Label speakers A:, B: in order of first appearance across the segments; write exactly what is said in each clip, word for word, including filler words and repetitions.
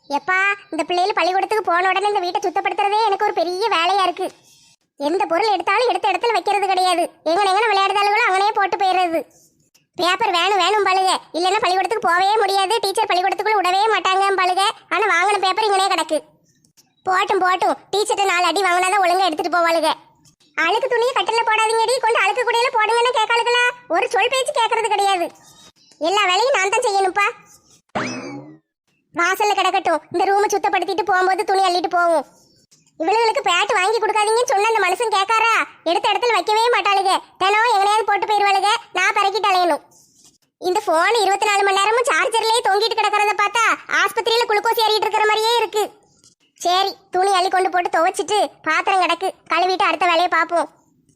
A: எப்பா இந்த பிள்ளைகள் பள்ளிக்கூடத்துக்கு போன உடனே இந்த வீட்டை சுத்தப்படுத்துறதே எனக்கு ஒரு பெரிய வேலையா இருக்கு. எந்த பொருள் எடுத்தாலும் எடுத்த இடத்துல வைக்கிறது கிடையாது. எங்கன எங்கன விளையாடுதாளுகளோ அங்கனே போட்டு போயிடுறது. பேப்பர் வேணும் வேணும் பழுக, இல்லைன்னா பள்ளிக்கூடத்துக்கு போகவே முடியாது. டீச்சர் பள்ளிக்கூடத்துக்குள்ள விடவே மாட்டாங்க பழுக. ஆனா வாங்கின பேப்பர் இங்கனே கிடக்கு. போட்டும் போட்டும், டீச்சர்ட்ட நாலு அடி வாங்கினாதான் ஒழுங்கா எடுத்துட்டு போவாளுக. அழுக்கு துணியை கட்டில போடாதீங்கடி, கொண்டு அழுக்கு குடியில போடுங்கன்னு கேட்காளுகளா? ஒரு சொல் பேச்சு கேட்கறது கிடையாது. எல்லா வேலையும் நான் தான் செய்யணும்ப்பா. வாசல்ல கிடக்கட்டும், இந்த ரூமை சுத்தப்படுத்திட்டு போகும்போது துணி அள்ளிட்டு போவோம். இவளுகளுக்கு பேட் வாங்கி கொடுக்காதீங்கன்னு சொன்ன அந்த மனுஷன் கேட்காரா? எடுத்த இடத்துல வைக்கவே மாட்டாளுங்க. தினம் எங்கனையாவது போட்டு போயிருவாளுங்க. நான் பறக்கிட்டு அலையணும். இந்த போன் இருபத்தி நாலு மணி நேரமும் சார்ஜர்லயே தொங்கிட்டு கிடக்கிறத பார்த்தா ஆஸ்பத்திரியில குளுக்கோஸ் ஏறிட்டு இருக்கிற மாதிரியே இருக்கு. சரி, துணி அள்ளி கொண்டு போட்டு துவைச்சிட்டு பாத்திரம் கிடக்கு, கழுவிட்டு அடுத்த வேலையை பார்ப்போம்.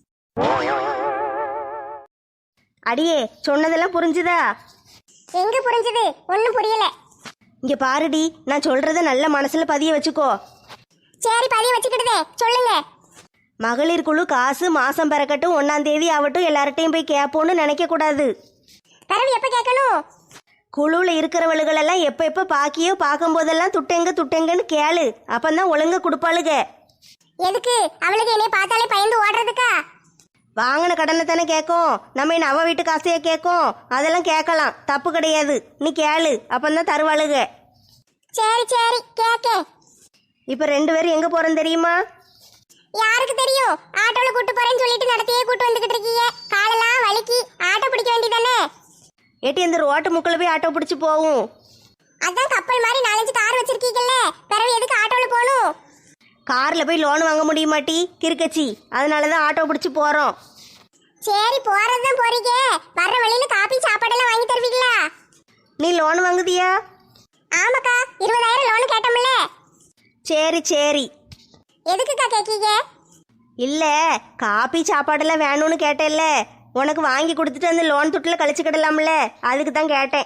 B: அடியே, சொன்னதெல்லாம் புரிஞ்சுதா?
A: எங்க புரிஞ்சுது? ஒன்னும் புரியல.
B: இங்க பாருடி, நான் சொல்றத நல்ல மனசுல பதிய வச்சுக்கோ.
A: சரி, பதிய வச்சுக்கிட்டுதே, சொல்லுங்க.
B: மகளிர் குழு காசு மாசம் பிறக்கட்டும், ஒன்னாம் தேதி ஆகட்டும், எல்லார்ட்டையும் போய் கேட்போன்னு நினைக்க கூடாது.
A: பிறகு எப்ப கேட்கணும்?
B: குழுவில் இருக்கிறவளுகளெல்லாம் எப்போ எப்போ பாக்கியோ பார்க்கும் போதெல்லாம் துட்டெங்க துட்டெங்கன்னு கேளு. அப்பந்தான் ஒழுங்கா கொடுப்பாளுக.
A: எதுக்கு? அவளுக்கு என்னைய பார்த்தாலே பயந்து ஓடுறதுக்கா?
B: வாங்கின கடனை தானே கேட்கும். நம்ம என்ன அவ வீட்டு காசையே கேட்கும்? அதெல்லாம் கேட்கலாம், தப்பு கிடையாது. நீ கேளு, அப்பந்தான் தருவாளுக.
A: சரி சரி, கேட்க.
B: இப்போ ரெண்டு பேரும் எங்கே போகிறோம் தெரியுமா?
A: யாருக்கு தெரியும்? ஆட்டோல கூட்டு போறேன்னு சொல்லிட்டு நடத்தியே கூட்டு வந்துகிட்டு இருக்கீங்க. காலெல்லாம் வலிக்கு, ஆட்டோ பிடிக்க வேண்டியதானே?
B: ஏட்டி, இந்த ரோட்டு முக்கில் போய் ஆட்டோ பிடிச்சி போகும்.
A: அதான் கப்பல் மாதிரி நாலஞ்சு கார் வச்சிருக்கீங்கல்ல, பிறகு எதுக்கு ஆட்டோல போகணும்?
B: காரில் போய் லோன் வாங்க முடியுமாட்டி? கிறுக்கச்சி, அதனால தான் ஆட்டோ பிடிச்சி போகிறோம்.
A: சரி, போறதுதான் போறீங்க. வர்ற வழியில காபி சாப்பாடெல்லாம் வாங்கி தருவீங்களா?
B: நீ லோன் வாங்குதியா?
A: ஆமாக்கா, இருபதாயிரம் லோன் கேட்டோம்ல.
B: சரி சரி.
A: எதுக்குக்கா கேட்கீங்க?
B: இல்லை, காபி சாப்பாடெல்லாம் வேணும்னு கேட்டேல்ல, உனக்கு வாங்கி கொடுத்துட்டு அந்த லோன் துட்டில் கழிச்சுக்கிடலாம்ல, அதுக்கு தான் கேட்டேன்.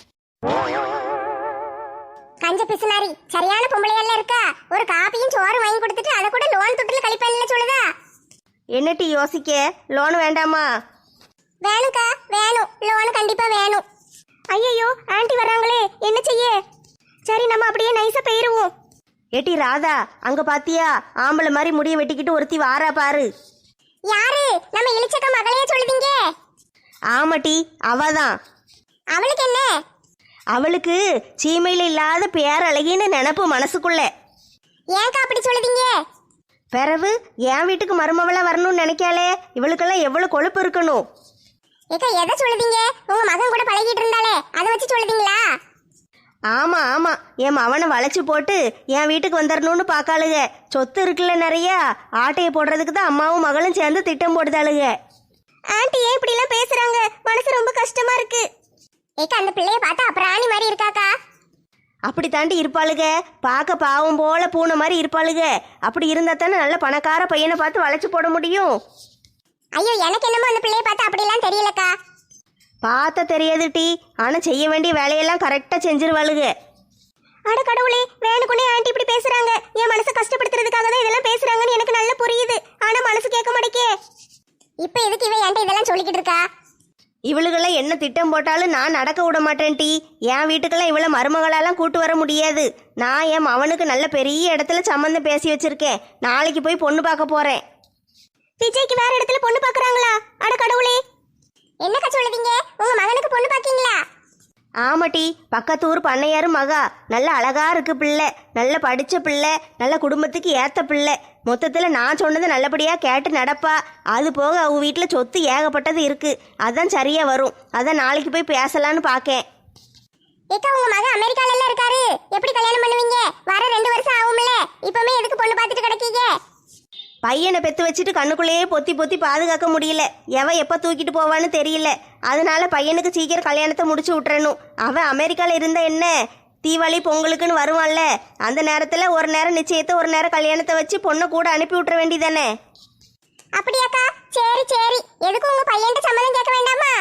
A: கஞ்ச பிசுனாரி, சரியான பொம்பளையெல்லாம் இருக்கா? ஒரு காப்பியும் சோறு வாங்கி கொடுத்துட்டு அதை கூட லோன் துட்டுல கழிப்பேன்ல சொல்லுதா?
B: என்னட்டி யோசிக்க? லோன் வேண்டாமா?
A: வேணும்க்கா, வேணும். லோன் கண்டிப்பா வேணும்.
B: ஐயோ, ஆண்டி வராங்களே, என்ன செய்ய? சரி, நம்ம அப்படியே நைஸா போயிருவோம். ஏட்டி ராதா, அங்க பாத்தியா? ஆம்பளை மாதிரி முடிய வெட்டிக்கிட்டு ஒருத்தி வாரா பாரு.
A: யாரு? நம்ம இளிச்சக்க மகளையே சொல்லுதீங்க?
B: ஆமாட்டி, அவதான்.
A: அவளுக்கு என்ன?
B: அவளுக்கு சீமையில இல்லாத பேரழகின்னு நினப்பு மனசுக்குள்ள.
A: ஏன்க்கா அப்படி சொல்லுதீங்க?
B: பிறகு என் வீட்டுக்கு மருமவளா வரணும்னு நினைக்காளே, இவளுக்கெல்லாம் எவ்வளவு கொழுப்பு இருக்கணும்.
A: ஏக்கா, எதை சொல்லுதீங்க? உங்க மகன் கூட பழகிட்டு இருந்தாலே அதை வச்சு சொல்லுதீங்களா?
B: ஆமா ஆமா, என் மவனை வளைச்சு போட்டு என் வீட்டுக்கு வந்துடணும்னு பாக்காளுக. சொத்து இருக்குல்ல நிறைய, ஆட்டையை போடுறதுக்கு தான் அம்மாவும் மகளும் சேர்ந்து திட்டம் போடுதாளுக.
A: ஆண்டி ஏன் இப்படி எல்லாம் பேசுறாங்க? மனசு ரொம்ப கஷ்டமா இருக்கு. ஏக்கா, அந்த பிள்ளைய பார்த்தா அப்புறாணி மாதிரி இருக்காக்கா.
B: அப்படி தாண்டி இருப்பாளுக, பார்க்க பாவம் போல பூனை மாதிரி இருப்பாளுக. அப்படி இருந்தா தானே நல்ல பணக்கார பையனை பார்த்து வளைச்சு போட முடியும்.
A: ஐயோ, எனக்கு என்னமோ அந்த பிள்ளைய பார்த்தா அப்படிலாம் தெரியலக்கா.
B: பார்த்த தெரியாது டி, ஆனா செய்ய வேண்டிய வேலையெல்லாம் கரெக்டா செஞ்சிருவாளுக.
A: அட கடவுளே, வேணுக்குனே ஆண்டி இப்படி பேசுறாங்க. என் மனசை கஷ்டப்படுத்துறதுக்காக தான் இதெல்லாம் பேசுறாங்கன்னு எனக்கு நல்லா புரியுது. ஆனா மனசு கேட்க மாட்டேக்கே. இப்ப எதுக்கு இவ என்கிட்ட இதெல்லாம் சொல்லிக்கிட்டு இருக்கா?
B: இவளுகெல்லாம் என்ன திட்டம் போட்டாலும் நான் நடக்க விட மாட்டேன் டி. என் வீட்டுக்கெல்லாம் இவளை மருமகளெல்லாம் கூட்டு வர முடியாது. நான் என் மவனுக்கு நல்ல பெரிய இடத்துல சம்மந்தம் பேசி வச்சிருக்கேன். நாளைக்கு போய் பொண்ணு பார்க்க போறேன்.
A: விஜய்க்கு வேற இடத்துல பொண்ணு பாக்குறாங்களா? அட கடவுளே, என்னக்கா சொல்லுதீங்க? உங்க மகனுக்கு பொண்ணு பாக்கீங்களா?
B: ஆமாட்டி, பக்கத்தூர் பண்ணையாரு மகா. நல்ல அழகா இருக்கு பிள்ளை, நல்ல படிச்ச பிள்ளை, நல்ல குடும்பத்துக்கு ஏத்த பிள்ளை. மொத்தத்துல நான் சொன்னது நல்லபடியா கேட்டு நடப்பா. அது போக அவ வீட்டுல சொத்து ஏகப்பட்டது இருக்கு. அதான் சரியா வரும். அதான் நாளைக்கு போய் பேசலான்னு பாக்கேன்.
A: ஏக்கா, உங்க மகன் அமெரிக்கால எல்லாம் இருக்காரு. எப்படி கல்யாணம் பண்ணுவீங்க? வர ரெண்டு வருஷம் ஆகும்ல, இப்பமே எதுக்கு பொண்ணு பார்த்துட்டு கிடக்கீங்க?
B: பையனை பெத்து வச்சுட்டு கண்ணுக்குள்ளேயே பொத்தி பொத்தி பாதுகாக்க முடியல. எவன் எப்ப தூக்கிட்டு போவான்னு தெரியல. அதனால பையனுக்கு சீக்கிரம் கல்யாணத்தை முடிச்சு விட்டுறணும். அவன் அமெரிக்கால இருந்தா என்ன, தீபாவளி பொங்கலுக்குன்னு வருவான்ல, அந்த நேரத்துல ஒரு நேரம் நிச்சயத்தை ஒரு நேரம் கல்யாணத்தை வச்சு பொண்ணை கூட அனுப்பி விட்டுற வேண்டியதானே.
A: அப்படியாக்கா? சரி சரி, எதுக்கு உங்க பையன்கிட்ட சம்மதம் கேட்க வேண்டாமா?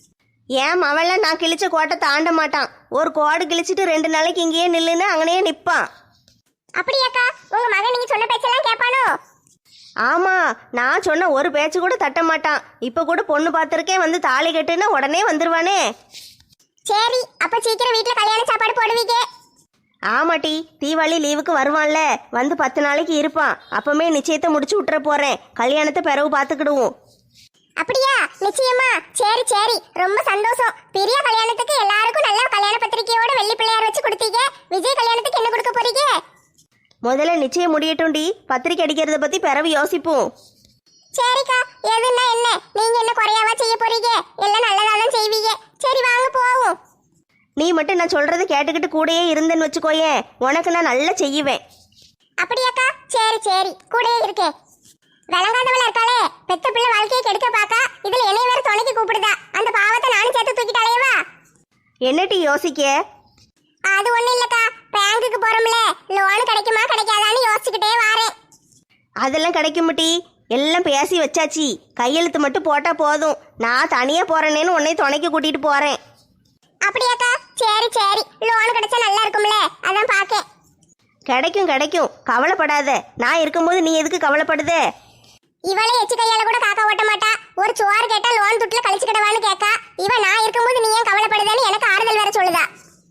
B: ஏன் அவெல்லாம் நான் கிழிச்ச கோட்டை தாண்ட மாட்டான். ஒரு கோடு கிழிச்சிட்டு ரெண்டு நாளைக்கு இங்கேயே நில்லுன்னு அங்கனையே நிற்பான்.
A: அப்படியாக்கா? உங்க மகன் நீங்க சொன்ன பேச்செல்லாம் கேட்பானோ?
B: ஆமா, நான் சொன்ன ஒரு பேச்சு கூட தட்ட மாட்டான். இப்ப கூட பொண்ணு பார்த்திருக்கேன், வந்து தாலி கட்டுன்னா உடனே வந்துருவானே.
A: சரி, அப்ப சீக்கிரம் வீட்டுல கல்யாண சாப்பாடு போடுவீங்க.
B: ஆமாட்டி, தீபாவளி லீவுக்கு வருவான்ல, வந்து பத்து நாளைக்கு இருப்பான். அப்பமே நிச்சயத்தை முடிச்சு விட்டுற போறேன். கல்யாணத்தை பிறகு பார்த்துக்கிடுவோம்.
A: அப்படியா? நிச்சயமா? சரி சரி, ரொம்ப சந்தோஷம். பெரிய கல்யாணத்துக்கு எல்லாருக்கும் நல்ல கல்யாண பத்திரிக்கையோட வெள்ளி பிள்ளையார் வச்சு கொடுத்தீங்க. விஜய் கல்யாணத்துக்கு என்ன கொடுக்க போறீங்க?
B: முதல்ல நிச்சயம் முடியட்டும்டி, பத்திரிக்கை அடிக்கிறத பத்தி பிறகு யோசிப்போம்.
A: சரிக்கா, எதுன்னா என்ன, நீங்க என்ன குறையாவா செய்ய போறீங்க? எல்லாம் நல்லதா தான் செய்வீங்க. சரி வாங்க போவோம்.
B: நீ மட்டும் நான் சொல்றது கேட்டுக்கிட்டு கூடயே இருந்தேன்னு வச்சுக்கோயேன், உனக்கு நான் நல்லா செய்வேன்.
A: அப்படியாக்கா? சரி சரி, கூடயே இருக்கேன். விளங்காதவள இருக்காளே, பெத்த பிள்ளை வாழ்க்கையை கெடுக்க பாக்கா, இதுல என்னைய வேற துணைக்கு கூப்பிடுதா. அந்த பாவத்தை நானும் சேர்த்து தூக்கிட்டு அலையவா?
B: என்னட்டி யோசிக்க?
A: அது ஒண்ணு இல்லக்கா, பேங்குக்கு போறோம்ல, லோன் கிடைக்குமா கிடைக்காதான்னு யோசிச்சுக்கிட்டே வாரேன்.
B: அதெல்லாம் கிடைக்கும்டி, எல்லாம் பேசி வச்சாச்சு. கையெழுத்து மட்டும் போட்டா போதும். நான் தனியா போறேனேன்னு உன்னை துணைக்கு கூட்டிட்டு போறேன்.
A: அப்படியாக்கா? சரி சரி, லோன் கிடைச்சா நல்லா இருக்கும்ல, அதான் பாக்கேன்.
B: கிடைக்கும் கிடைக்கும், கவலைப்படாத. நான் இருக்கும்போது நீ எதுக்கு கவலைப்படுத?
A: இவளே எச்சு கையால கூட காக்கா ஓட்ட மாட்டா. ஒரு சோறு கேட்டா லோன் துட்டுல கழிச்சுக்கிடவான்னு கேட்கா. இவ நான் இருக்கும்போது நீ ஏன் கவலைப்படுதேன்னு எனக்கு ஆறுதல் வேற சொல்லுதா.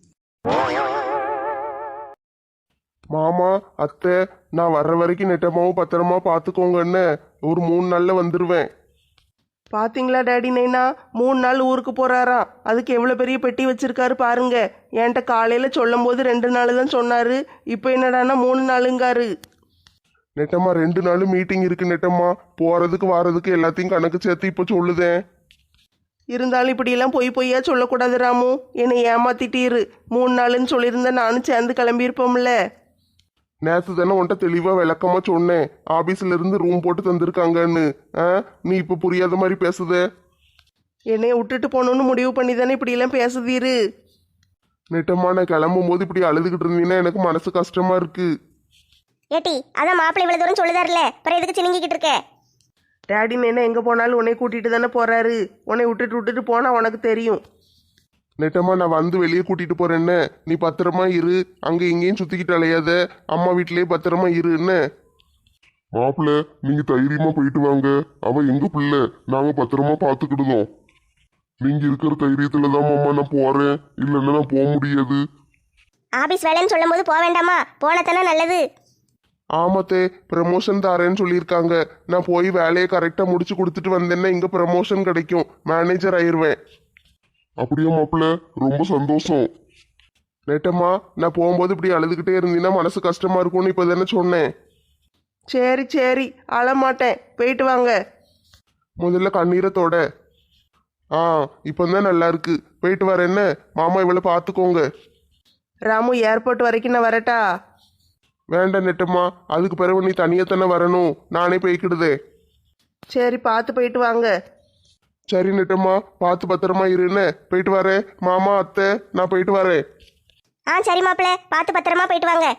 C: மாமா, அத்தை, நான் வர்ற வரைக்கும் நெட்டமாவும் பத்திரமா பார்த்துக்கோங்கன்னு. ஒரு மூணு நாள்ல வந்துடுவேன்.
D: பாத்தீங்களா டேடி நைனா, மூணு நாள் ஊருக்கு போறாரா? அதுக்கு எவ்வளோ பெரிய பெட்டி வச்சிருக்காரு பாருங்க. என்கிட்ட காலையில் சொல்லும் போது ரெண்டு நாள் தான் சொன்னாரு, இப்போ என்னடான்னா மூணு நாளுங்காரு.
C: நெட்டம்மா, ரெண்டு நாள் மீட்டிங் இருக்கு நெட்டம்மா. போறதுக்கு வாரதுக்கு எல்லாத்தையும் கணக்கு சேர்த்து இப்போ சொல்லுதேன்.
D: இருந்தாலும் இப்படியெல்லாம் பொய் பொய்யா சொல்லக்கூடாது ராமு. என்னை ஏமாத்திட்டீரு. மூணு நாளுன்னு சொல்லியிருந்தா நானும் சேர்ந்து கிளம்பியிருப்போம்ல.
C: நேற்று தானே உன்ட்ட தெளிவா விளக்கமா சொன்னேன், ஆபீஸ்ல இருந்து ரூம் போட்டு தந்திருக்காங்கன்னு. ஆ, நீ இப்ப புரியாத மாதிரி பேசுதே.
D: என்னைய விட்டுட்டு போகணுன்னு முடிவு பண்ணி தானே இப்படியெல்லாம் பேசுதீரு.
C: நெட்டம்மா, நான் கிளம்பும் போது இப்படி அழுதுகிட்டு இருந்தீங்கன்னா எனக்கு மனசு கஷ்டமா இருக்கு.
B: ஏட்டி, அதான் மாப்பிள்ளை இவ்வளவு தூரம் சொல்லுதாருல, அப்புறம் எதுக்கு சினிங்கிக்கிட்டு இருக்க?
D: டேடி நைனா எங்கே போனாலும் உன்னை கூட்டிகிட்டு தானே போறாரு. உன்னை விட்டுட்டு விட்டுட்டு போனால் உனக்கு தெரியும்.
C: நெட்டம்மா, நான் வந்து வெளியே கூட்டிட்டு போறேன்னு. நீ பத்திரமா இரு, அங்க இங்கேயும் சுத்திக்கிட்டு அலையாத. அம்மா வீட்லயே பத்திரமா இருன்னு.
E: மாப்பிள்ள, நீங்க தைரியமா போயிட்டு வாங்க. அவ எங்க பிள்ளை, நாங்க பத்திரமா பாத்துக்கிடுதோம். நீங்க இருக்கிற தைரியத்துல தான் மாமா நான் போறேன், இல்லைன்னா நான் போக முடியாது.
B: ஆபீஸ் வேலைன்னு சொல்லும் போது போக வேண்டாமா? போனதானே நல்லது.
C: ஆமாத்தே, ப்ரமோஷன் தாரேன்னு சொல்லியிருக்காங்க. நான் போய் வேலையை கரெக்டா முடிச்சு கொடுத்துட்டு வந்தேன்னா இங்க ப்ரமோஷன் கிடைக்கும், மேனேஜர் ஆயிருவேன்.
E: அப்படியே மாப்பிள்ள, ரொம்ப சந்தோஷம்.
C: நெட்டம்மா, நான் போகும்போது இப்படி அழுதுகிட்டே இருந்தீங்கன்னா மனசு கஷ்டமா இருக்கும்னு இப்போ தானே சொன்னேன்.
D: சரி சரி, அழமாட்டேன், போயிட்டு வாங்க.
C: முதல்ல கண்ணீரத்தோட. ஆ, இப்போ தான் நல்லா இருக்கு. போயிட்டு வரேன் என்ன. மாமா இவளை பார்த்துக்கோங்க.
D: ராமு, ஏர்போர்ட் வரைக்கும் நான் வரட்டா?
C: வேண்டாம் நெட்டம்மா, அதுக்கு பிறகு நீ தனியாக தானே வரணும். நானே போய்க்கிடுதே.
D: சரி, பார்த்து போயிட்டு வாங்க.
C: சரி நெட்டம்மா, பார்த்து பத்திரமா இருன்னு. போயிட்டு வரேன். மாமா, அத்தை, நான் போயிட்டு வரேன்.
B: ஆ சரி மாப்பிள்ளை, பார்த்து பத்திரமா போயிட்டு வாங்க.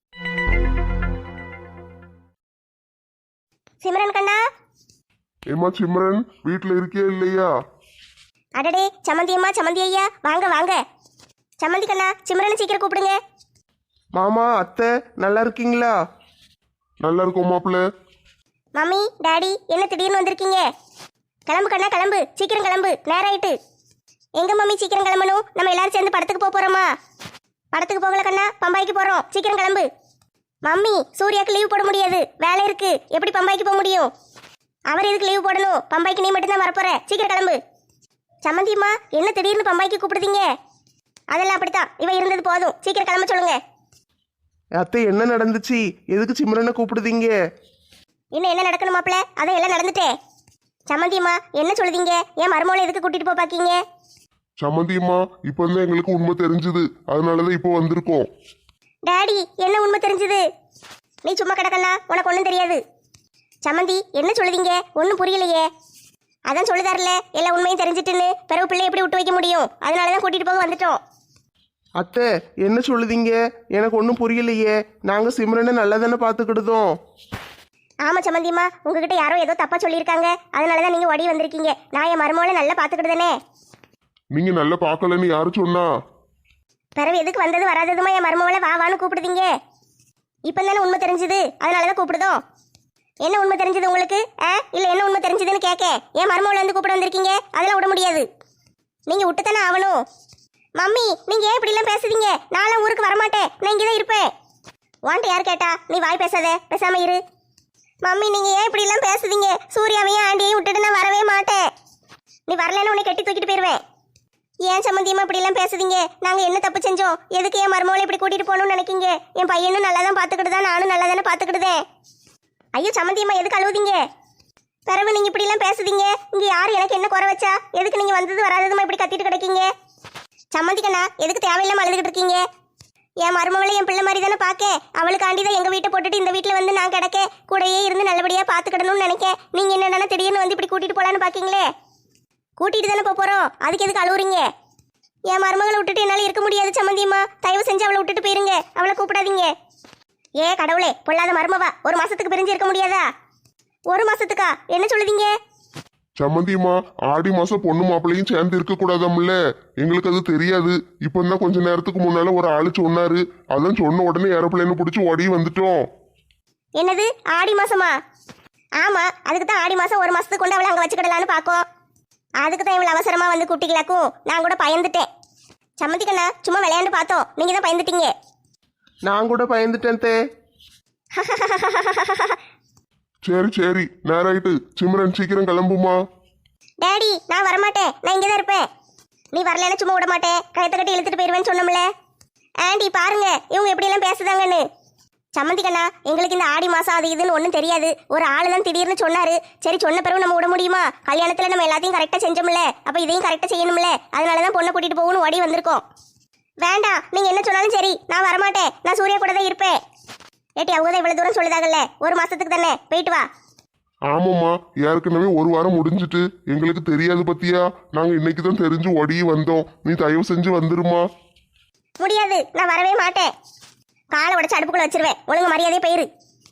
B: சிம்ரன் கண்ணா.
E: ஏமா சிம்ரன், வீட்டுல இருக்கியா இல்லையா?
B: அடடே, சமந்தி அம்மா, சமந்தி ஐயா, வாங்க வாங்க. சமந்தி கண்ணா, சிம்ரனை சீக்கிரம் கூப்பிடுங்க.
D: மாமா, அத்தை, நல்லா இருக்கீங்களா?
E: நல்லா இருக்கோம் மாப்பிள்ள.
B: மம்மி, டாடி, என்ன திடீர்னு வந்திருக்கீங்க? கிளம்பு கண்ணா, கிளம்பு, சீக்கிரம் கிளம்பு, நேரம் ஆயிட்டு. எங்க மம்மி சீக்கிரம் கிளம்பணும்? நம்ம எல்லாரும் சேர்ந்து படத்துக்கு போக போறோமா? படத்துக்கு போகல கண்ணா, பம்பாய்க்கு போறோம், சீக்கிரம் கிளம்பு. மம்மி, சூர்யாவுக்கு லீவ் போட முடியாது, வேலை இருக்கு, எப்படி பம்பாய்க்கு போக முடியும்? அவர் எதுக்கு லீவ் போடணும்? பம்பாய்க்கு நீ மட்டும் தான் வரப்போற, சீக்கிரம் கிளம்பு. சம்மந்தியம்மா, என்ன திடீர்னு பம்பாய்க்கு கூப்பிடுதீங்க? அதெல்லாம் அப்படித்தான், இவ இருந்தது போதும், சீக்கிரம் கிளம்ப சொல்லுங்க.
D: அத்தை, என்ன நடந்துச்சு? எதுக்கு சிம்ரனை கூப்பிடுதீங்க?
B: இன்னும் என்ன நடக்கணும் மாப்பிள்ள? அதான் எல்லாம் நடந்துட்டே. சம்மந்தியம்மா, என்ன சொல்லுதீங்க? ஏன் மருமகளை எதுக்கு கூட்டிட்டு போய் பாக்கீங்க?
E: சம்மந்தியம்மா, இப்போ தான் எங்களுக்கு உண்மை தெரிஞ்சுது, அதனாலதான் இப்போ வந்திருக்கோம்.
B: டாடி, என்ன உண்மை தெரிஞ்சது? நீ சும்மா கிடக்கண்ணா, உனக்கு ஒன்றும் தெரியாது. சம்மந்தி, என்ன சொல்லுதீங்க? ஒன்றும் புரியலையே. அதான் சொல்லுதாருல, எல்லா உண்மையும் தெரிஞ்சிட்டுன்னு. பிறகு பிள்ளை எப்படி விட்டு வைக்க முடியும்? அதனாலதான் கூட்டிட்டு போக வந்துட்டோம்.
D: அத்தை, என்ன சொல்லுதீங்க? எனக்கு ஒன்றும் புரியலையே. நாங்கள் சிம்ரனை நல்லா தானே பார்த்துக்கிடுதோம்.
B: ஆமா சம்மந்தியம்மா, உங்ககிட்ட யாரோ ஏதோ தப்பா சொல்லியிருக்காங்க, அதனாலதான் நீங்க ஓடி வந்திருக்கீங்க. நான் என் மருமகளை நல்லா பார்த்துக்கிடுதானே.
E: நீங்க நல்லா பார்க்கலன்னு யாரு சொன்னா?
B: பிறகு எதுக்கு வந்தது வராததுமா என் மருமகளை வா வான்னு கூப்பிடுதீங்க? இப்போ தானே உண்மை தெரிஞ்சுது, அதனாலதான் கூப்பிடுதோம். என்ன உண்மை தெரிஞ்சது உங்களுக்கு? ஆ, இல்ல என்ன உண்மை தெரிஞ்சதுன்னு கேட்க என் மருமகளை வந்து கூப்பிட வந்திருக்கீங்க. அதெல்லாம் விட முடியாது, நீங்க விட்டு தானே ஆகணும்.
A: மம்மி நீங்க ஏன் இப்படி எல்லாம் பேசுறீங்க? நானும் ஊருக்கு வரமாட்டேன், நான் இங்கதான் இருப்பேன். உன்கிட்ட யார் கேட்டா? நீ வாய் பேசாத, பேசாம இரு. மம்மி நீங்க ஏன் இப்படி எல்லாம் பேசுறீங்க? சூர்யாவையும் ஆண்டியையும் விட்டுட்டு நான் வரவே மாட்டேன். நீ வரலன்னு உன்னை கட்டி தூக்கிட்டு போயிருவேன். ஏன் சம்மந்தியமா இப்படி எல்லாம் பேசுறீங்க? நாங்க என்ன தப்பு செஞ்சோம்? எதுக்கு என் மருமகளை இப்படி கூட்டிட்டு போகணும்னு நினைக்கீங்க? என் பையனும் நல்லா தான் பாத்துக்கிட்டுதான், நானும் நல்லா தானே பாத்துக்கிட்டுதேன். ஐயோ சம்மந்தியம்மா எதுக்கு அழுவுதீங்க? பிறகு நீங்க இப்படி எல்லாம் பேசுறீங்க. இங்க யாரு எனக்கு என்ன குறை வச்சா? எதுக்கு நீங்க வந்தது வராததுமா இப்படி கத்திட்டு கிடைக்கீங்க? சம்மந்திக்கண்ணா எதுக்கு தேவையில்லாம அழுதுகிட்டு இருக்கீங்க? என் மருமகளை என் பிள்ளை மாதிரி தானே பார்க்க. அவளுக்காண்டி தான் எங்க வீட்டை போட்டுட்டு இந்த வீட்டுல வந்து நான் கிடக்க கூடையே இருந்து நல்லபடியா பாத்துக்கிடணும்னு நினைக்கேன். நீங்க என்னன்னா திடீர்னு வந்து இப்படி கூட்டிட்டு போலான்னு பாக்கீங்களே. கூட்டிட்டு தானே போறோம், அதுக்கு எதுக்கு அழுவுறீங்க? என் மருமகளை விட்டுட்டு என்னால இருக்க முடியாது சம்மந்தியம்மா. தயவு செஞ்சு அவளை விட்டுட்டு போயிருங்க, அவளை கூப்பிடாதீங்க. ஏ கடவுளே, பொல்லாத மருமவா, ஒரு மாசத்துக்கு பிரிஞ்சு இருக்க முடியாதா? ஒரு மாசத்துக்கா? என்ன சொல்லுதீங்க?
C: சம்மந்தியம்மா, ஆடி மாசம் பொண்ணு மாப்பிள்ளையும் சேர்ந்து இருக்க கூடாதாம்ல. எங்களுக்கு அது தெரியாது. இப்போ தான் கொஞ்ச நேரத்துக்கு முன்னால ஒரு ஆளு சொன்னாரு. அதான் சொன்ன உடனே ஏரோப்ளேன் பிடிச்சி ஓடி வந்துட்டோம்.
A: என்னது ஆடி மாசமா? ஆமா, அதுக்கு தான் ஆடி மாசம் ஒரு மாசத்துக்கு கொண்டு அவளை அங்க வச்சுக்கிடலான்னு பாக்கோம். அதுக்கு தான் இவ்வளவு அவசரமா வந்து கூட்டிக்கலாக்கும். நான் கூட பயந்துட்டேன். சம்மந்திக்கண்ணா சும்மா விளையாண்டு பார்த்தோம், நீங்க தான் பயந்துட்டீங்க.
D: நான் கூட பயந்துட்டேன் தே.
C: சரி சரி, நேராயிட்டு. சிம்ரன் சீக்கிரம் கிளம்புமா.
A: டேடி நான் வரமாட்டேன், நான் இங்கே தான் இருப்பேன். நீ வரலன்னு சும்மா விட மாட்டேன், கயத்தை கட்டி இழுத்துட்டு போயிருவேன்னு சொன்னோம்ல. ஆண்டி பாருங்க இவங்க எப்படி எல்லாம் பேசுதாங்கன்னு. சம்மந்திக்கண்ணா எங்களுக்கு இந்த ஆடி மாசம் அது இதுன்னு ஒன்றும் தெரியாது. ஒரு ஆளு தான் திடீர்னு சொன்னாரு. சரி சொன்ன பிறகு நம்ம விட முடியுமா? கல்யாணத்துல நம்ம எல்லாத்தையும் கரெக்டாக செஞ்சோம்ல, அப்ப இதையும் கரெக்டாக செய்யணும்ல. அதனாலதான் பொண்ணை கூட்டிட்டு போகணும் ஓடி வந்திருக்கோம். வேண்டாம், நீங்க என்ன சொன்னாலும் சரி, நான் வரமாட்டேன். நான் சூர்யா கூட தான் இருப்பேன். ஏட்டி அவங்க தான் இவ்வளவு தூரம் சொல்லுதாங்கல்ல, ஒரு மாசத்துக்கு தானே, போயிட்டு வா.
C: ஆமாம்மா, ஏற்கனவே ஒரு வாரம் முடிஞ்சிட்டு. எங்களுக்கு தெரியாது பத்தியா? நாங்க இன்னைக்கு தான் தெரிஞ்சு ஓடி வந்தோம். நீ தயவு செஞ்சு வந்துருமா.
A: முடியாது, நான் வரவே மாட்டேன். காலை உடச்சு அடுப்புக்குள்ள வச்சிருவேன், ஒழுங்கு மரியாதையே போயிரு.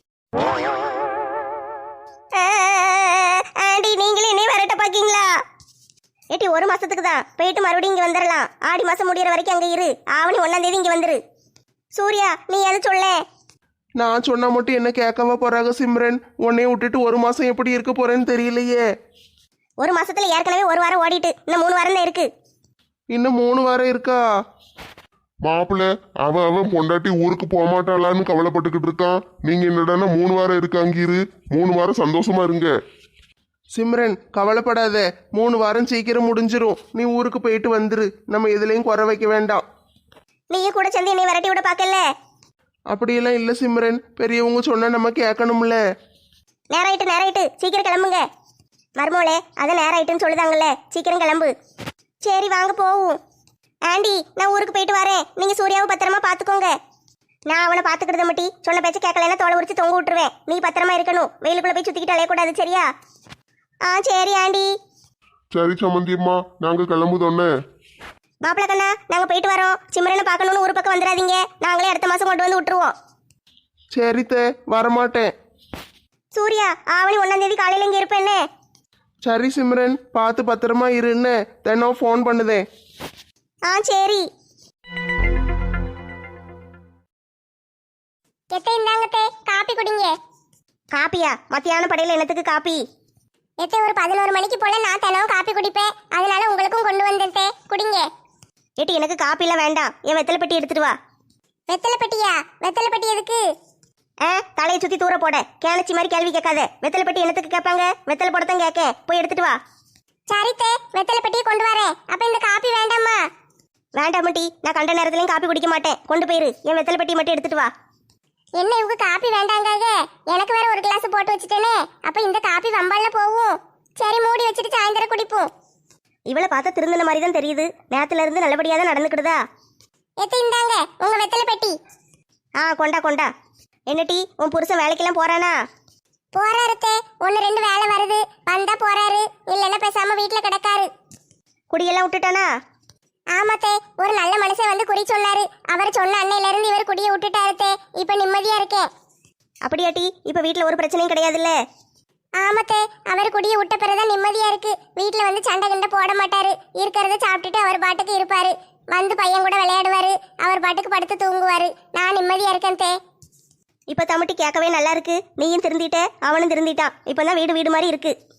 A: ஆண்டி நீங்களே என்னைய வரட்ட பாக்கீங்களா? ஏட்டி ஒரு மாசத்துக்கு தான், போயிட்டு மறுபடியும் இங்க வந்துடலாம். ஆடி மாசம் முடியற வரைக்கும் அங்க இரு. ஆவணி ஒன்னாம் தேதி இங்க வந்துரு. சூர்யா நீ எது சொல்ல?
D: நான் சொன்னா மட்டும் என்ன கேட்கவா போறாங்க சிம்ரன்? உன்னைய விட்டுட்டு ஒரு மாசம் எப்படி இருக்க போறேன்னு தெரியலையே.
A: ஒரு மாசத்துல ஏற்கனவே ஒரு வாரம் ஓடிட்டு, இன்னும் மூணு வாரம் தான் இருக்கு.
D: இன்னும் மூணு வாரம் இருக்கா?
C: மாப்பிள்ள அவன் அவன் பொண்டாட்டி ஊருக்கு போகமாட்டாளான்னு கவலைப்பட்டுக்கிட்டு இருக்கான். நீங்க என்னடான்னா மூணு வாரம் இருக்காங்கிரு. மூணு வாரம் சந்தோஷமா இருங்க.
D: சிம்ரன் கவலைப்படாத, மூணு வாரம் சீக்கிரம் முடிஞ்சிரும். நீ ஊருக்கு போயிட்டு வந்துரு, நம்ம எதுலையும் குறை வைக்க வேண்டாம்.
A: நீயும் கூட சேர்ந்து என்னை விரட்டி விட பாக்கல.
D: அப்படியெல்லாம் இல்லை சிம்ரன், பெரியவங்க சொன்னா நம்ம கேட்கணும்ல.
A: நேராயிட்டு நேராயிட்டு சீக்கிரம் கிளம்புங்க. மருமோளே அதை நேராயிட்டுன்னு சொல்லுதாங்கல்ல, சீக்கிரம் கிளம்பு. சரி வாங்க போவோம். ஆண்டி நான் ஊருக்கு போயிட்டு வரேன், நீங்க சூர்யாவை பத்திரமா பாத்துக்கோங்க. நான் அவனை பாத்துக்கிட்டத மட்டி சொன்ன பேச்சு கேட்கலன்னா தோலை உரிச்சு தொங்க விட்டுருவேன். நீ பத்திரமா இருக்கணும், வெயிலுக்குள்ள போய் சுத்திக்கிட்டு அலையக்கூடாது, சரியா? ஆ சரி ஆண்டி.
C: சரி சம்மந்தியம்மா, நாங்க கிளம்புதோன்னே.
A: மாப்பிள்ள கண்ணா நாங்க போயிட்டு வரோம். சிம்ரனை பார்க்கணும்னு ஒரு பக்கம் வந்துடாதீங்க, நாங்களே அடுத்த மாசம் கொண்டு வந்து விட்டுருவோம்.
D: சரி தே, வரமாட்டேன்.
A: சூர்யா ஆவணி ஒன்னாம் தேதி காலையில இங்க இருப்பேன்னு.
D: சரி சிம்ரன், பார்த்து பத்திரமா இருன்னு தினம் ஃபோன் பண்ணுதேன்.
A: ஆ சரி. எத்தை இந்தாங்கத்தே, காப்பி குடிங்க. காப்பியா? மத்தியான படையில என்னத்துக்கு காப்பி? எத்தை ஒரு பதினோரு மணிக்கு போல நான் தினம் காப்பி குடிப்பேன், அதனால உங்களுக்கும் கொண்டு வந்தேன், குடிங்க. ஏட்டி எனக்கு காப்பிலாம் வேண்டாம், என் வெத்தலை பெட்டி எடுத்துட்டு வா. வெத்தலை பெட்டியா? வெத்தலை பெட்டி எதுக்கு? ஆ தலையை சுத்தி தூர போட, கேனச்சி மாதிரி கேள்வி கேட்காத. வெத்தலை பெட்டி என்னத்துக்கு கேட்பாங்க? வெத்தலை போடத்தான் கேட்க, போய் எடுத்துட்டு வா. சரித்தே, வெத்தலை பெட்டியை கொண்டு வரேன். அப்ப இந்த காப்பி வேண்டாமா? வேண்டாம் மட்டி, நான் கண்ட நேரத்துலயும் காப்பி குடிக்க மாட்டேன். கொண்டு போயிரு, என் வெத்தலை பெட்டி மட்டும் எடுத்துட்டு வா. என்ன இவங்க காப்பி வேண்டாங்க? எனக்கு வேற ஒரு கிளாஸ் போட்டு வச்சுட்டேனே, அப்ப இந்த காப்பி வம்பால போகும். சரி மூடி வச்சுட்டு சாயந்தரம் குடிப்போம். இவளை பார்த்தா திருந்தின மாதிரி தான் தெரியுது. நேரத்துல இருந்து நல்லபடியா தான் நடந்துக்கிடுதா. எத்தி இந்தாங்க உங்க வெத்தலை பெட்டி. ஆ கொண்டா கொண்டா. என்னட்டி உன் புருஷன் வேலைக்கெல்லாம் போறானா? போறாருத்தே, ஒன்னு ரெண்டு வேலை வருது, வந்தா போறாரு, இல்லைன்னா பேசாம வீட்டுல கிடக்காரு. குடியெல்லாம் விட்டுட்டானா? ஆமாத்தே, ஒரு நல்ல மனுஷன் வந்து குறி சொன்னாரு. அவர் சொன்ன அன்னையில இருந்து இவர் குடியை விட்டுட்டாருத்தே, இப்ப நிம்மதியா இருக்கேன். அப்படியாட்டி, இப்ப வீட்டுல ஒரு பிரச்சனையும் கிடையாதுல்ல? ஆமாத்தே, அவர் குடியை விட்ட பிறகுதான் நிம்மதியா இருக்கு. வீட்டுல வந்து சண்டை கிண்டை போட மாட்டாரு, இருக்கிறத சாப்பிட்டுட்டு அவர் பாட்டுக்கு இருப்பாரு. வந்து பையன் கூட விளையாடுவாரு, அவர் பாட்டுக்கு படுத்து தூங்குவாரு. நான் நிம்மதியா இருக்கேன் தே. இப்ப தம்பிட்டி கேட்கவே நல்லா இருக்கு. நீயும் திருந்திட்ட, அவனும் திருந்திட்டான். இப்பதான் வீடு வீடு மாதிரி இருக்கு.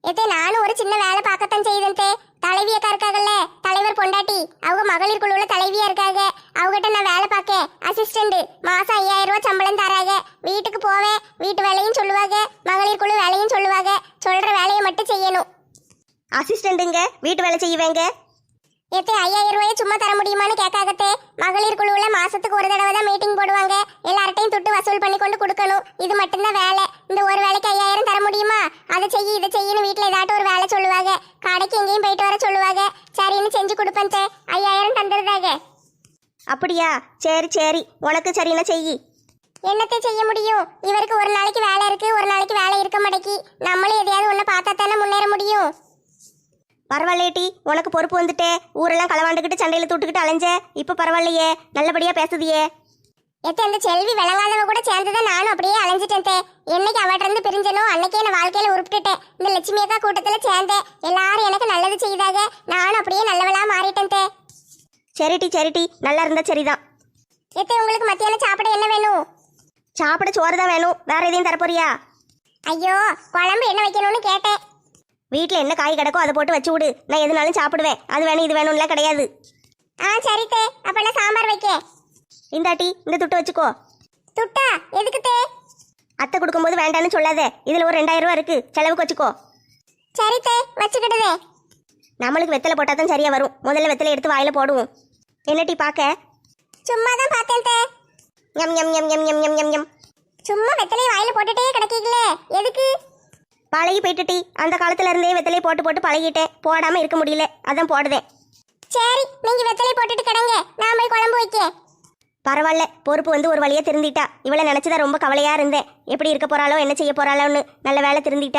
A: ஏத்தே நானும் ஒரு சின்ன வேலை பார்க்கத்தான் செய்தேன் தே. தலைவி அக்கா இருக்காங்கல்ல, தலைவர் பொண்டாட்டி, அவங்க மகளிர் குழுவுல தலைவியா இருக்காங்க. அவகிட்ட நான் வேலை பார்க்க அசிஸ்டன்ட். மாசம் ஐயாயிரம் ரூபாய் சம்பளம் தராங்க. வீட்டுக்கு போவேன், வீட்டு வேலையும் சொல்லுவாங்க, மகளிர் குழு வேலையும் சொல்லுவாங்க. சொல்ற வேலையை மட்டும் செய்யணும்.
B: அசிஸ்டண்ட்டுங்க வீட்டு வேலை செய்வேங்க.
A: ஏத்தே ஐயாயிரம் ரூபாயை சும்மா தர முடியுமான்னு கேட்காகத்தே. மகளிர் குழுவுல மாசத்துக்கு ஒரு தடவை தான் மீட்டிங் போடுவாங்க. எல்லார்ட்டையும் துட்டு வசூல் பண்ணி கொண்டு கொடுக்கணும். இது மட்டும்தான் வேலை. இந்த ஒரு வேலைக்கு ஐயாயிரம் தர முடியுமா? அதை செய்ய இதை செய்யணும். வீட்டுல ஏதாட்டும் ஒரு வேலை சொல்லுவாங்க. கடைக்கு எங்கேயும் போயிட்டு வர சொல்லுவாங்க. சரின்னு செஞ்சு கொடுப்பேன் தே. ஐயாயிரம் தந்துருதாங்க.
B: அப்படியா? சரி சரி, உனக்கு சரின்னா செய்.
A: என்னத்தை செய்ய முடியும்? இவருக்கு ஒரு நாளைக்கு வேலை இருக்கு, ஒரு நாளைக்கு வேலை இருக்க மாட்டேக்கி. நம்மளும் எதையாவது ஒண்ணு பார்த்தா தானே முன்னேற முடியும்.
B: பரவாயில்லையேட்டி, உனக்கு பொறுப்பு வந்துட்டே. ஊரெல்லாம் களவாண்டுக்கிட்டு சண்டையில் தூட்டுக்கிட்டு அலைஞ்ச, இப்ப பரவாயில்லையே, நல்லபடியா பேசுதியே.
A: எத்த அந்த செல்வி விளங்காதவ கூட சேர்ந்துதான் நானும் அப்படியே அலைஞ்சிட்டேன் தே. என்னைக்கு அவட்ட இருந்து பிரிஞ்சனோ அன்னைக்கே நான் வாழ்க்கையில உருப்பிட்டுட்டேன். இந்த லட்சுமி அக்கா கூட்டத்துல சேர்ந்தேன். எல்லாரும் எனக்கு நல்லது செய்தாங்க. நானும் அப்படியே நல்லவளா மாறிட்டேன் தே.
B: சரிட்டி சரிட்டி, நல்லா இருந்தா சரிதான்.
A: எத்த உங்களுக்கு மத்தியானம் சாப்பிட என்ன வேணும்?
B: சாப்பிட சோறு தான் வேணும், வேற எதையும் தரப்போறியா?
A: ஐயோ, குழம்பு என்ன வைக்கணும்னு கேட்டேன்.
B: வீட்டில் என்ன காய் கிடக்கோ அதை போட்டு வச்சு விடு, நான் எதுனாலும் சாப்பிடுவேன். அது வேணும் இது வேணும்லாம் கிடையாது.
A: ஆ சரி தே, அப்ப நான் சாம்பார் வைக்க.
B: இந்தாட்டி இந்த துட்டை வச்சுக்கோ.
A: துட்டா எதுக்கு தே?
B: அத்தை கொடுக்கும்போது வேண்டான்னு சொல்லாத, இதுல ஒரு ரெண்டாயிரம் ரூபா இருக்கு, செலவுக்கு வச்சுக்கோ.
A: சரி தே, வச்சுக்கிடுதே.
B: நம்மளுக்கு வெத்தலை போட்டா தான் சரியா வரும். முதல்ல வெத்தலை எடுத்து வாயில போடுவோம். என்னட்டி பார்க்க?
A: சும்மா தான் பார்த்தேன் தே.
B: எம் எம் எம் எம் எம் எம் எம் எம்.
A: சும்மா வெத்தலையை வாயில போட்டுட்டே கிடக்கீங்களே, எதுக்கு?
B: பழகி போயிட்டுட்டி, அந்த காலத்துல இருந்தே வெத்தலையை போட்டு போட்டு பழகிட்டேன். போடாம இருக்க முடியல, அதான் போடுதேன்.
A: சரி, நீங்க வெத்தலை போட்டுட்டு கிடங்க, நான் போய் குழம்பு வைக்க.
B: பரவாயில்ல, பொறுப்பு வந்து ஒரு வழியா திருந்திட்டா. இவளை நினைச்சுதான் ரொம்ப கவலையா இருந்தேன். எப்படி இருக்க போறாளோ என்ன செய்ய போறாளோன்னு. நல்ல வேலை திருந்திட்டா.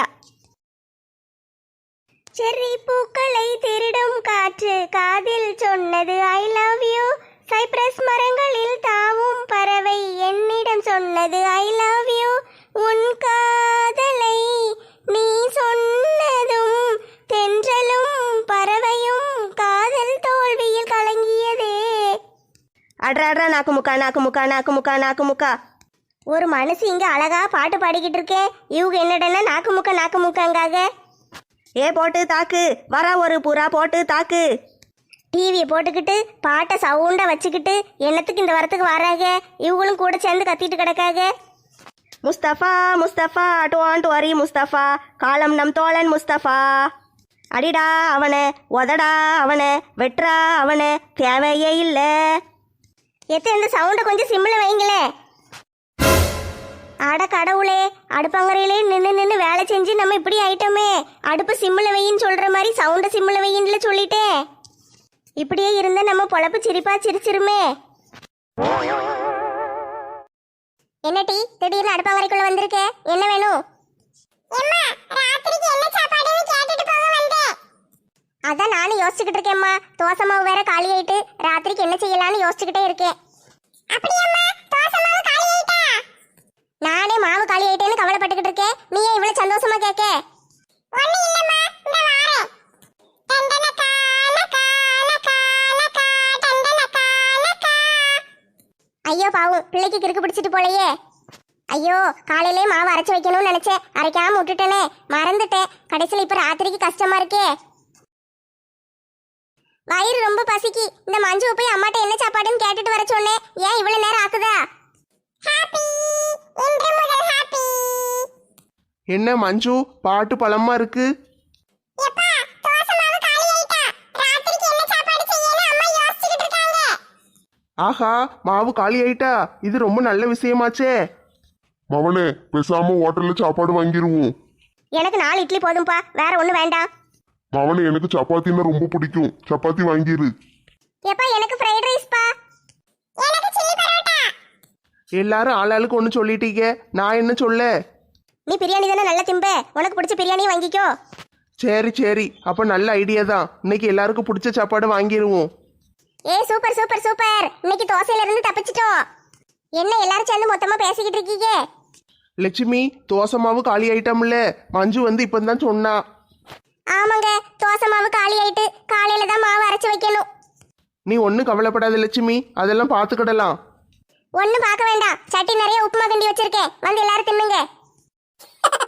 B: செர்ரி பூக்களை திருடும் காற்று காதில் சொன்னது ஐ லவ் யூ. சைப்ரஸ் மரங்களில் தாவும் பறவை என்னிடம் சொன்னது ஐ லவ் யூ. உன் காதலை நீ சொன்னதும் தென்றலும் பறவையும் காதல் தோல்வியில் கலங்கியதே. அட்ரா அட்ரா, நாக்கு முக்கா நாக்கு முக்கா நாக்கு முக்கா நாக்கு முக்கா. ஒரு மனசு இங்க அழகா பாட்டு பாடிக்கிட்டு இருக்கேன். இவங்க என்னடனா நாக்கு முக்கா நாக்கு முக்காங்காக. ஏ போட்டு தாக்கு, வரா ஒரு புறா போட்டு தாக்கு. டிவியை போட்டுக்கிட்டு பாட்டை சவுண்டா வச்சுக்கிட்டு என்னத்துக்கு இந்த வரத்துக்கு வராங்க? இவங்களும் கூட சேர்ந்து கத்திட்டு கிடக்காக. முஸ்தபா முஸ்தபா டோன்ட் வரி முஸ்தபா, காலம் நம் தோழன் முஸ்தபா. அடிடா அவனை, உதடா அவனை, வெட்றா அவனை, தேவையே இல்லை. எத்த இந்த சவுண்டை கொஞ்சம் சிம்மில் வைங்களே. அட கடவுளே, அடுப்பங்கரையிலே நின்று நின்று வேலை செஞ்சு நம்ம இப்படி ஆயிட்டோமே. அடுப்பு சிம்மில் வையின்னு சொல்கிற மாதிரி சவுண்டை சிம்மில் வையின்ல சொல்லிட்டேன். இப்படியே இருந்தா நம்ம பொழப்பு சிரிப்பா சிரிச்சிருமே.
A: என்ன டீ, திடீர்னு அடுப்பங்கரைக்குள்ள வந்திருக்க? என்ன வேணும்? அதான் நானும் யோசிச்சுக்கிட்டு இருக்கேம்மா. தோசை மாவு வேற காலி ஆயிட்டு ராத்திரிக்கு என்ன செய்யலாம்னு யோசிச்சுக்கிட்டே இருக்கேன். நானே மாவு காலி ஆயிட்டேன்னு கவலைப்பட்டுக்கிட்டு இருக்கேன். நீ ஏன் இவ்வளவு சந்தோஷமா கேட்க? ஐயோ பாவம், பிள்ளைக்கு கிறுக்கு பிடிச்சிட்டு போலையே. ஐயோ, காலையிலே மாவு அரைச்சு வைக்கணும்னு நினைச்சேன், அரைக்காம விட்டுட்டேனே, மறந்துட்டேன். கடைசியில் இப்ப ராத்திரிக்கு கஷ்டமா இருக்கே. வயிறு ரொம்ப பசிக்கு. இந்த மஞ்சு போய் அம்மாட்ட என்ன சாப்பாடுன்னு கேட்டுட்டு வர சொன்னேன். ஏன் இவ்வளவு நேரம் ஆக்குதா?
D: என்ன மஞ்சு, பாட்டு பழமா இருக்கு. ஆஹா, மாவு காலி ஆயிட்டா. இது ரொம்ப நல்ல விஷயமாச்சே.
E: மவனே, பேசாம ஹோட்டல்ல சாப்பாடு வாங்கிருவோம்.
B: எனக்கு நாலு இட்லி போதும்பா, வேற ஒண்ணு வேண்டாம்.
E: மவனே, எனக்கு சப்பாத்தின்னா ரொம்ப பிடிக்கும், சப்பாத்தி வாங்கிரு.
A: எப்பா எனக்கு ஃப்ரைட் ரைஸ் பா. எனக்கு சில்லி பரோட்டா.
D: எல்லாரும் ஆளாளுக்கு ஒன்று சொல்லிட்டீங்க, நான் என்ன சொல்ல?
B: நீ பிரியாணி தானே நல்லா திம்ப, உனக்கு பிடிச்ச பிரியாணியை வாங்கிக்கோ.
D: சரி சரி, அப்ப நல்ல ஐடியா தான். இன்னைக்கு எல்லாருக்கும் பிடிச்ச சாப்பாடு வாங்கிடுவோம்.
A: ஏ சூப்பர் சூப்பர் சூப்பர், இன்னைக்கு தோசையில இருந்து தப்பிச்சிட்டோம். என்ன எல்லாரும் சேர்ந்து மொத்தமா பேசிக்கிட்டு இருக்கீங்க?
D: லட்சுமி, தோசை மாவு காலி ஆயிட்டோம்ல, மஞ்சு வந்து இப்பதான் சொன்னா.
A: ஆமாங்க, தோசை மாவு காலி ஆயிட்டு காலையில தான் மாவு அரைச்சு வைக்கணும்.
D: நீ ஒன்றும் கவலைப்படாத லட்சுமி, அதெல்லாம் பார்த்துக்கிடலாம்.
A: ஒன்னும் பார்க்க வேண்டாம், சட்டி நிறைய உப்புமா கிண்டி வச்சிருக்கேன், வந்து எல்லாரும் தின்னுங்க.